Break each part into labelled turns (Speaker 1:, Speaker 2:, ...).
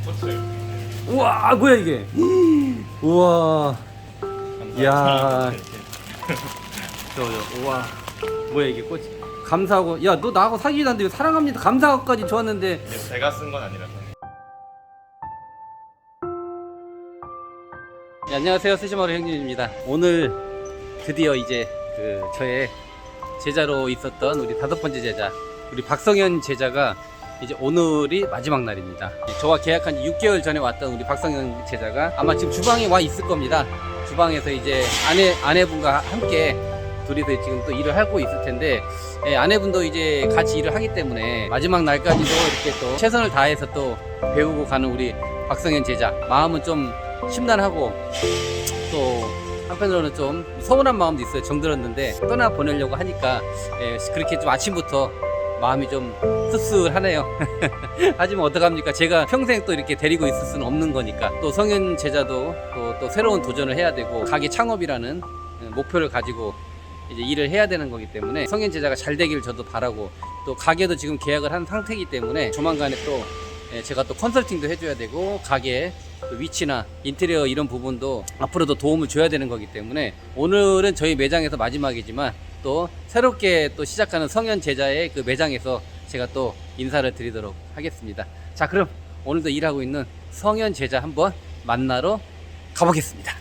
Speaker 1: 꽃을.
Speaker 2: 우와, 뭐야 이게? 우와, 야, 우와, 뭐야 이게 꽃이? 감사하고, 야, 너 나하고 사귀지도 않는데 왜 사랑합니다 감사하고까지 좋았는데.
Speaker 1: 제가 쓴 건 아니라서.
Speaker 2: 네, 안녕하세요, 스시마루 형님입니다. 오늘 드디어 이제 저의 제자로 있었던 우리 5번째 제자, 우리 박성현 제자가 이제 오늘이 마지막 날입니다. 저와 계약한 6개월 전에 왔던 우리 박성현 제자가 아마 지금 주방에 와 있을 겁니다. 주방에서 이제 아내분과 함께 둘이서 지금 또 일을 하고 있을 텐데, 아내분도 이제 같이 일을 하기 때문에 마지막 날까지도 이렇게 또 최선을 다해서 또 배우고 가는 우리 박성현 제자, 마음은 좀 심란하고 또 한편으로는 좀 서운한 마음도 있어요. 정들었는데 떠나 보내려고 하니까 그렇게 좀 아침부터 마음이 좀 씁쓸하네요. 하지만 어떡합니까? 제가 평생 또 이렇게 데리고 있을 수는 없는 거니까, 또 성현 제자도 또 새로운 도전을 해야 되고 가게 창업이라는 목표를 가지고 이제 일을 해야 되는 거기 때문에 성현 제자가 잘 되기를 저도 바라고, 또 가게도 지금 계약을 한 상태이기 때문에 조만간에 또 제가 또 컨설팅도 해줘야 되고 가게 위치나 인테리어 이런 부분도 앞으로도 도움을 줘야 되는 거기 때문에, 오늘은 저희 매장에서 마지막이지만 또 새롭게 또 시작하는 성현 제자의 그 매장에서 제가 또 인사를 드리도록 하겠습니다. 자, 그럼 오늘도 일하고 있는 성현 제자 한번 만나러 가보겠습니다.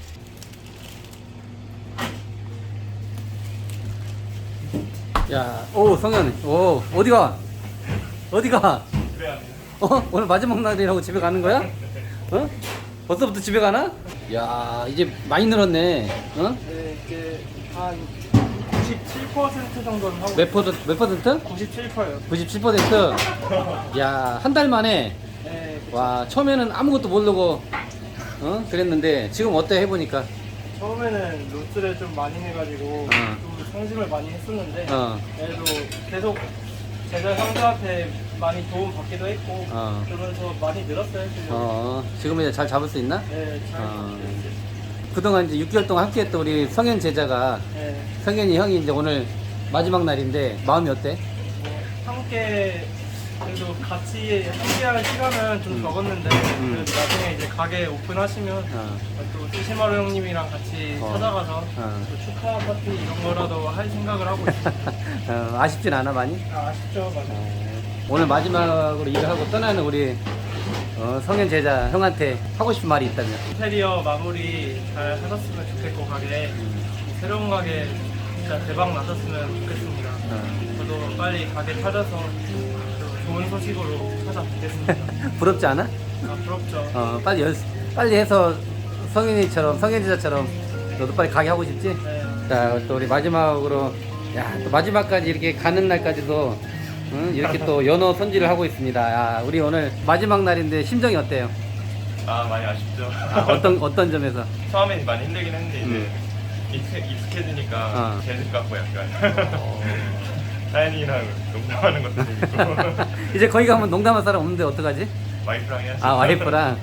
Speaker 2: 야, 오, 성현, 오, 어디가? 어디가?
Speaker 1: 집에 가는.
Speaker 2: 오늘 마지막 날이라고 집에 가는 거야? 어? 벌써부터 집에 가나? 야, 이제 많이 늘었네. 어?
Speaker 3: 네, 이제 한 97% 정도는 하고
Speaker 2: 몇 퍼센트?
Speaker 3: 97%요.
Speaker 2: 97%? 야, 한 달 만에.
Speaker 3: 네, 그쵸.
Speaker 2: 와, 처음에는 아무것도 모르고 그랬는데 지금 어때 해보니까?
Speaker 3: 처음에는 로스를 좀 많이 해가지고 좀 상심을 많이 했었는데 그래도 계속 제자 상사한테 많이 도움 받기도 했고 그러면서 많이 늘었어요. 지금.
Speaker 2: 지금 이제 잘 잡을 수 있나?
Speaker 3: 네, 잘 됐어요.
Speaker 2: 그동안 이제 6개월 동안 함께했던 우리 성현 제자가,
Speaker 3: 네,
Speaker 2: 성현이 형이 이제 오늘 마지막 날인데 마음이 어때?
Speaker 3: 함께 그래도 같이 함께할 시간은 좀 적었는데 그래도 나중에 이제 가게 오픈하시면 또 스시마루 형님이랑 같이 찾아가서 또 축하 파티 이런 거라도 할 생각을 하고 있습니다.
Speaker 2: 아쉽진 않아 많이?
Speaker 3: 아쉽죠, 맞아요.
Speaker 2: 오늘 마지막으로 일을 하고 떠나는 우리 성현 제자 형한테 하고 싶은 말이 있다면?
Speaker 3: 인테리어 마무리 잘 하셨으면 좋겠고 가게 새로운 가게 진짜 대박 나셨으면 좋겠습니다. 저도 빨리 가게 찾아서 또 좋은 소식으로 찾아뵙겠습니다.
Speaker 2: 부럽지 않아?
Speaker 3: 아, 부럽죠.
Speaker 2: 빨리 해서 성현 제자처럼 너도 빨리 가게 하고 싶지?
Speaker 3: 네.
Speaker 2: 자, 또 우리 마지막으로, 야, 또 마지막까지 이렇게 가는 날까지도 이렇게 또 연어 손질을 하고 있습니다. 야, 우리 오늘 마지막 날인데 심정이 어때요?
Speaker 1: 아, 많이 아쉽죠.
Speaker 2: 어떤 점에서?
Speaker 1: 처음엔 많이 힘들긴 했는데 이제 익숙해지니까 재능 같고 약간 사연이랑 농담하는 것도 재밌고.
Speaker 2: 이제 거기 가면 농담할 사람 없는데 어떡하지?
Speaker 1: 와이프랑 해야지.
Speaker 2: 와이프랑.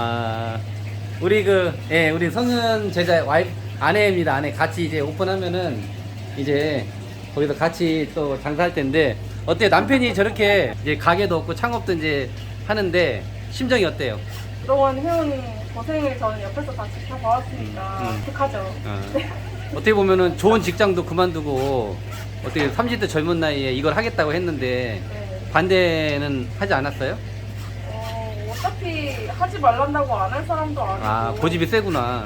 Speaker 2: 우리 성현 제자 아내입니다. 아내 같이 이제 오픈하면은 이제 거기서 같이 또 장사할 텐데, 어때요? 남편이 저렇게 이제 가게도 없고 창업도 이제 하는데 심정이 어때요?
Speaker 4: 그동안 해온 고생을 저는 옆에서 다 지켜봐왔으니까 어떡하죠?
Speaker 2: 어떻게 보면은 좋은 직장도 그만두고 어떻게 30대 젊은 나이에 이걸 하겠다고 했는데
Speaker 4: 네.
Speaker 2: 반대는 하지 않았어요?
Speaker 4: 어차피 하지 말란다고 안 할 사람도 아니고
Speaker 2: 고집이 세구나.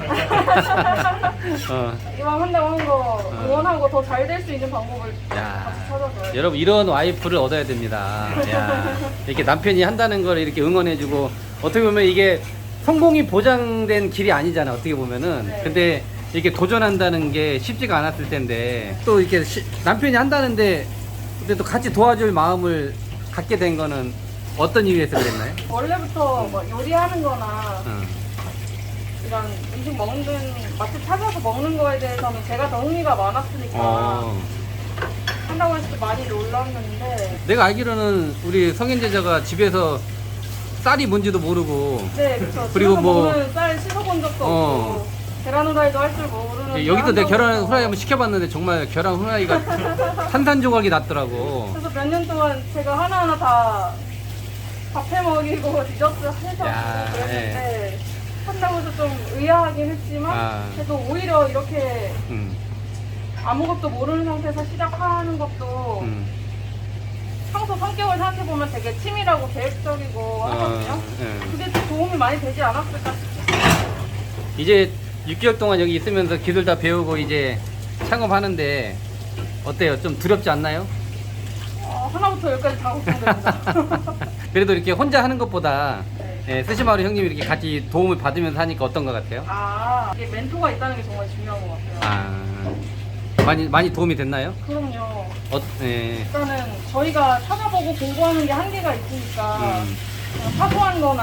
Speaker 4: 이왕 한다고 한 거 응원하고 더 잘 될 수 있는 방법을
Speaker 2: 야.
Speaker 4: 같이 찾아줘요.
Speaker 2: 여러분, 이런 와이프를 얻어야 됩니다. 야, 이렇게 남편이 한다는 걸 이렇게 응원해주고, 어떻게 보면 이게 성공이 보장된 길이 아니잖아, 어떻게 보면은.
Speaker 4: 네.
Speaker 2: 근데 이렇게 도전한다는 게 쉽지가 않았을 텐데, 또 이렇게 남편이 한다는데 근데 또 같이 도와줄 마음을 갖게 된 거는 어떤 이유에서 그랬나요?
Speaker 4: 원래부터 뭐 요리하는 거나 이런 음식 먹는 맛집 찾아서 먹는 거에 대해서는 제가 더 흥미가 많았으니까 한다고 했을 때 많이 놀랐는데,
Speaker 2: 내가 알기로는 우리 성현 제자가 집에서 쌀이 뭔지도 모르고,
Speaker 4: 네, 그쵸.
Speaker 2: 그리고
Speaker 4: 집에서
Speaker 2: 뭐
Speaker 4: 먹는 쌀 씻어본 적도 없고 계란 후라이도 할 줄 모르는.
Speaker 2: 여기서 내가 계란
Speaker 4: 한다고
Speaker 2: 후라이 한번 시켜봤는데 정말 계란 후라이가 산산조각이 났더라고.
Speaker 4: 그래서 몇 년 동안 제가 하나하나 다 밥 해 먹이고 디저트 해서
Speaker 2: 야.
Speaker 4: 봤는데 한다고 해서 좀 의아하긴 했지만 그래도 오히려 이렇게 아무것도 모르는 상태에서 시작하는 것도 평소 성격을 생각해보면 되게 치밀하고 계획적이고 하거든요. 그게 좀 도움이 많이 되지 않았을까 싶어요.
Speaker 2: 이제 6개월 동안 여기 있으면서 기술 다 배우고 이제 창업하는데 어때요? 좀 두렵지 않나요?
Speaker 4: 하나부터 열까지 다 걱정됩니다.
Speaker 2: 그래도 이렇게 혼자 하는 것보다
Speaker 4: 네.
Speaker 2: 스시마루 형님이 이렇게 같이 도움을 받으면서 하니까 어떤 것 같아요?
Speaker 4: 이게 멘토가 있다는 게 정말 중요한 것 같아요.
Speaker 2: 많이 도움이 됐나요?
Speaker 4: 그럼요.
Speaker 2: 네.
Speaker 4: 일단은 저희가 찾아보고 공부하는 게 한계가 있으니까 그냥 사소한 거나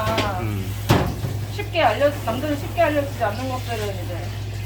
Speaker 4: 남들은 쉽게 알려주지 않는 것들은 이제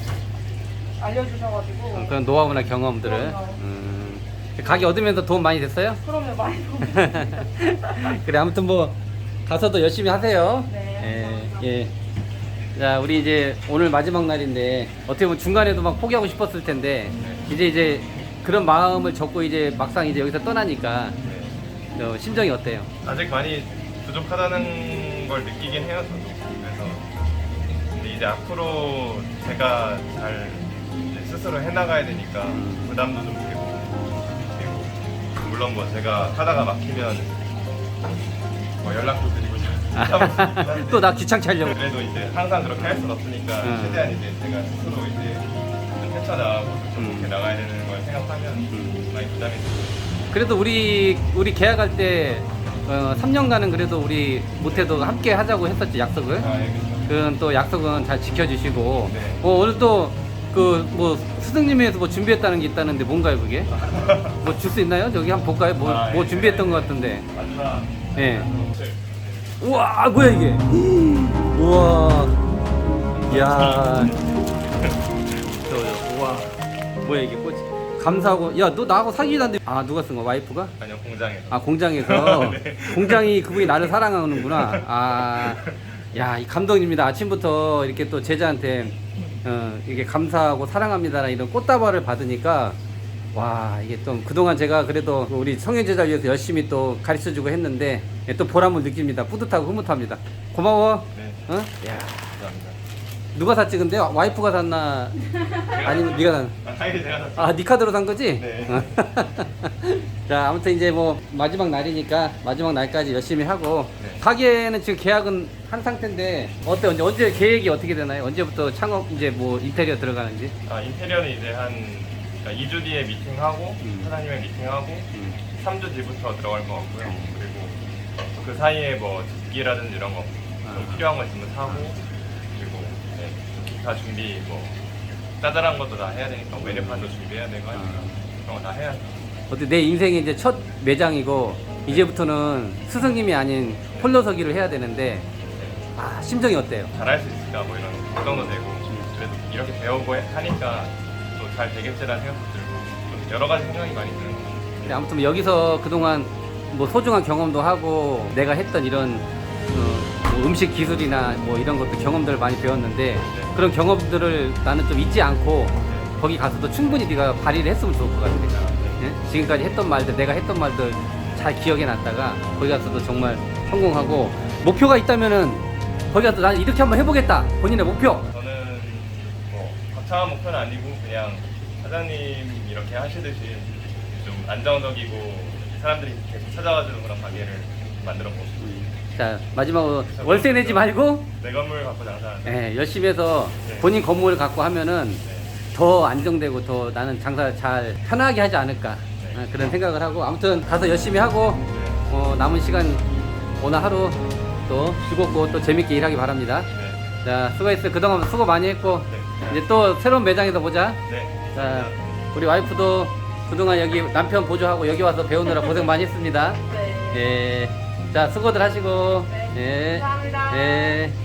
Speaker 4: 알려주셔가지고
Speaker 2: 그런 노하우나 경험들을.
Speaker 4: 그럼요.
Speaker 2: 가게 얻으면서 도움 많이 됐어요?
Speaker 4: 그럼요, 많이 도움이 됩니다.
Speaker 2: 그래, 아무튼 뭐 가서도 열심히 하세요.
Speaker 4: 네, 감사합니다.
Speaker 2: 예. 자, 우리 이제 오늘 마지막 날인데 어떻게 보면 중간에도 막 포기하고 싶었을 텐데 이제 그런 마음을 접고 이제 막상 이제 여기서 떠나니까 심정이 어때요?
Speaker 1: 아직 많이 부족하다는 걸 느끼긴 해요, 저도. 그래서 근데 이제 앞으로 제가 잘 이제 스스로 해나가야 되니까 부담도 좀 되고, 그리고 물론 뭐 제가 하다가 막히면 뭐 연락도 드리고 싶은데
Speaker 2: 또 나 귀찮게 하려고.
Speaker 1: 그래도 이제 항상 그렇게 할 수는 없으니까 최대한 이제 제가 스스로 이제 좀 헤쳐나가고 좀 이렇게 나가야 되는 걸 생각하면 많이 부담이 되고.
Speaker 2: 그래도 우리 계약할 때 3년간은 그래도 우리 못해도 함께 하자고 했었지, 약속을.
Speaker 1: 예, 그렇죠.
Speaker 2: 그건 또 약속은 잘 지켜주시고.
Speaker 1: 네.
Speaker 2: 오늘 또 뭐 스승님에서 뭐 준비했다는 게 있다는데 뭔가요 그게? 뭐 줄 수 있나요? 저기 한번 볼까요? 뭐 준비했던 것 같은데.
Speaker 1: 마지막
Speaker 2: 예. 우와, 뭐야 이게? 우와. 이야. 우와. 뭐야 이게 꽃이? 감사하고. 야, 너 나하고 사귀지도 않는데. 누가 쓴 거? 와이프가?
Speaker 1: 아니요, 공장에서.
Speaker 2: 공장에서.
Speaker 1: 네.
Speaker 2: 공장이 그분이 나를 사랑하는구나. 야, 이 감동입니다. 아침부터 이렇게 또 제자한테 이게 감사하고 사랑합니다라는 이런 꽃다발을 받으니까 와, 이게 또 그동안 제가 그래도 우리 성현 제자를 위해서 열심히 또 가르쳐주고 했는데 또 보람을 느낍니다. 뿌듯하고 흐뭇합니다. 고마워.
Speaker 1: 네.
Speaker 2: 야,
Speaker 1: 감사합니다.
Speaker 2: 누가 샀지 근데? 와이프가 샀나? 아니면 네가 샀나?
Speaker 1: 당연히 제가 샀어요.
Speaker 2: 네 카드로 산 거지?
Speaker 1: 네.
Speaker 2: 자, 아무튼 이제 뭐 마지막 날이니까 마지막 날까지 열심히 하고
Speaker 1: 네.
Speaker 2: 가게는 지금 계약은 한 상태인데 언제 계획이 어떻게 되나요? 언제부터 창업 이제 뭐 인테리어 들어가는지?
Speaker 1: 인테리어는 이제 한 2주 뒤에 미팅하고 사장님의 미팅하고 3주 뒤부터 들어갈 것 같고요. 그리고 그 사이에 뭐 집기라든지 이런 거 좀 필요한 거 있으면 사고, 그리고 기타 준비 뭐 짜잘한 것도 다 해야 되니까 메뉴판도 준비해야 되고 하니까 그런 거 다 해야죠.
Speaker 2: 어때 내 인생의 이제 첫 매장이고 이제부터는 스승님이 아닌 홀로서기를 해야 되는데 심정이 어때요?
Speaker 1: 잘할 수 있을까 뭐 이런 걱정도 되고, 그래도 이렇게 배우고 하니까 또 잘 되겠지라는 생각도 들고 좀 여러 가지 생각이 많이 드는 것 같아요.
Speaker 2: 근데 아무튼 여기서 그동안 뭐 소중한 경험도 하고 내가 했던 이런 뭐 음식 기술이나 뭐 이런 것도 경험들을 많이 배웠는데 그런 경험들을 나는 좀 잊지 않고 거기 가서도 충분히 네가 발휘를 했으면 좋을 것 같아. 예? 지금까지 했던 말들, 내가 했던 말들 잘 기억해 놨다가 거기 가서도 정말 성공하고, 목표가 있다면은 거기 가서 난 이렇게 한번 해보겠다, 본인의 목표.
Speaker 1: 저는 뭐 거창한 목표는 아니고 그냥 사장님 이렇게 하시듯이 좀 안정적이고 사람들이 계속 찾아와주는 그런 가게를 만들어 보고 싶어요.
Speaker 2: 자, 마지막으로 월세 내지 말고
Speaker 1: 내 건물 갖고 장사하는.
Speaker 2: 열심히 해서 본인 건물을 갖고 하면은 더 안정되고 더 나는 장사 잘 편하게 하지 않을까 그런 생각을 하고, 아무튼 가서 열심히 하고 남은 시간 오늘 하루 또 즐겁고 또 재밌게 일하기 바랍니다.
Speaker 1: 네.
Speaker 2: 자, 수고했어요. 그동안 수고 많이 했고
Speaker 1: 네.
Speaker 2: 이제 또 새로운 매장에서 보자.
Speaker 1: 네.
Speaker 2: 자, 우리 와이프도 그동안 여기 남편 보조하고 여기 와서 배우느라 고생 많이 했습니다.
Speaker 4: 네.
Speaker 2: 자, 수고들 하시고.
Speaker 4: 네. 감사합니다.
Speaker 2: 예.